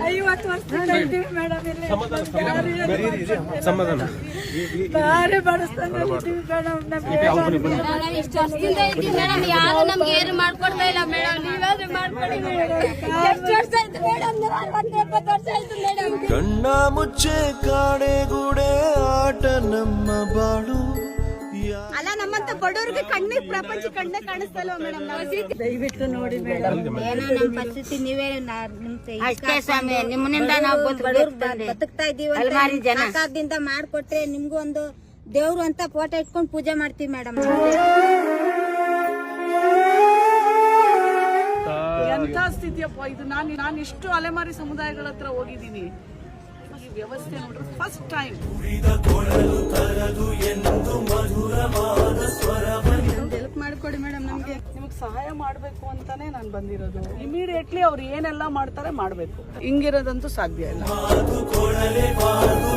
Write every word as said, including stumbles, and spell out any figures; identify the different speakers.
Speaker 1: ಐವತ್ತು ವರ್ಷದಿಂದ ಇದ್ದೀವಿ ಮೇಡಮ್ ಇಲ್ಲಿ.
Speaker 2: ಸಮಾಧಾನ
Speaker 1: ಭಾರಿ ಬಡಸ್ತಾನೆ ಇದ್ದೀವಿ ಮೇಡಮ್. ನಮ್ಗೆ
Speaker 3: ಇಷ್ಟು ವರ್ಷದಿಂದ ಇದ್ದೀವಿ ಮೇಡಮ್, ಯಾರು ನಮ್ಗೆ ಏನು ಮಾಡ್ಕೊಡ್ತಾ ಇಲ್ಲ ಮೇಡಮ್. ನೀವಾದ್ರೂ ಮಾಡ್ಕೊಡಿ ಮೇಡಮ್. ಎಷ್ಟು ವರ್ಷ ಆಯ್ತು ಮೇಡಮ್? ಅರವತ್ತು ಎಪ್ಪತ್ತು ವರ್ಷ ಆಯ್ತು ಮೇಡಮ್.
Speaker 4: ಕಣ್ಣ ಮುಚ್ಚೆ ಕಾಡೆಗೂಡೆ ಆಟ ನಮ್ಮ ಬಾಳು.
Speaker 3: ಅಲ್ಲ ನಮ್ಮಂತ ಬಡವ್ರಿಗೆ ಕಣ್ಣಿಗೆ ಪ್ರಪಂಚ ಕಣ್ಣೇ ಕಾಣಿಸ್ತಲ್ವ ಮೇಡಮ್?
Speaker 1: ದಯವಿಟ್ಟು ನೋಡಿ ಮೇಡಮ್.
Speaker 3: ಏನೋ ನಮ್ಮ ಪರಿಸ್ಥಿತಿ ನೀವೇ ಅಷ್ಟೇ ಸ್ವಾಮಿ, ನಿಮ್ಮನಿಂದ ನಾವು ಬದುಕ್ತಾ ಇದೀವಿ. ಸರ್ಕಾರದಿಂದ ಮಾಡ್ಕೊಟ್ರೆ ನಿಮ್ಗೂ ಒಂದು ದೇವ್ರು ಅಂತ ಫೋಟೋ ಇಟ್ಕೊಂಡು ಪೂಜೆ ಮಾಡ್ತೀವಿ ಮೇಡಮ್.
Speaker 1: ಎಂಥ ಸ್ಥಿತಿಯಪ್ಪ ಇದು. ನಾನು ನಾನು ಇಷ್ಟು ಅಲೆಮಾರಿ ಸಮುದಾಯಗಳ ಹತ್ರ ಹೋಗಿದ್ದೀನಿ. ಈ ವ್ಯವಸ್ಥೆ ನೋಡ್ರೆ ಫಸ್ಟ್ ಟೈಮ್. ಹೆಲ್ಪ್ ಮಾಡಿಕೊಡಿ ಮೇಡಮ್. ನಮ್ಗೆ ನಿಮಗೆ ಸಹಾಯ ಮಾಡಬೇಕು ಅಂತಾನೆ ನಾನು ಬಂದಿರೋದು. ಇಮಿಡಿಯೇಟ್ಲಿ ಅವ್ರು ಏನೆಲ್ಲ ಮಾಡ್ತಾರೆ ಮಾಡಬೇಕು. ಹಿಂಗಿರೋದಂತೂ ಸಾಧ್ಯ ಇಲ್ಲ.